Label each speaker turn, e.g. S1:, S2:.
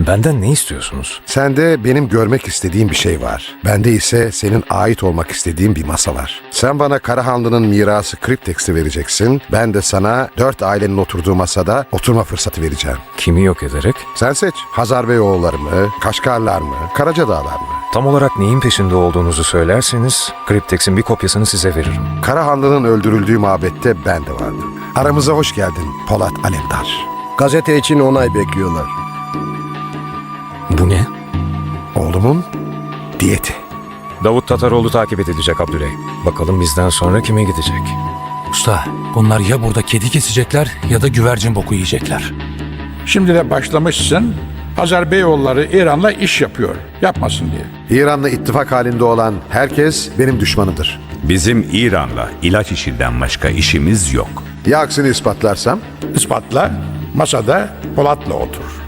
S1: Benden ne istiyorsunuz?
S2: Sende benim görmek istediğim bir şey var. Bende ise senin ait olmak istediğin bir masa var. Sen bana Karahanlı'nın mirası Kriptex'i vereceksin. Ben de sana 4 ailenin oturduğu masada oturma fırsatı vereceğim.
S1: Kimi yok ederek?
S2: Sen seç. Hazarbeyoğulları mı, Kaşgarlar mı, Karacadağlar mı?
S1: Tam olarak neyin peşinde olduğunuzu söylerseniz Kriptex'in bir kopyasını size veririm.
S2: Karahanlı'nın öldürüldüğü mabette ben de vardım. Aramıza hoş geldin Polat Alemdar.
S3: Gazete için onay bekliyorlar.
S1: Bu ne?
S2: Oğlumun diyeti.
S1: Davut Tataroğlu takip edilecek Abdüley. Bakalım bizden sonra kime gidecek?
S4: Usta, bunlar ya burada kedi kesecekler ya da güvercin boku yiyecekler.
S5: Şimdi de başlamışsın, Hazarbeyoğulları İran'la iş yapıyor, yapmasın diye.
S2: İran'la ittifak halinde olan herkes benim düşmanımdır.
S6: Bizim İran'la ilaç işinden başka işimiz yok.
S2: Ya aksini ispatlarsam?
S5: İspatla, masada Polat'la otur.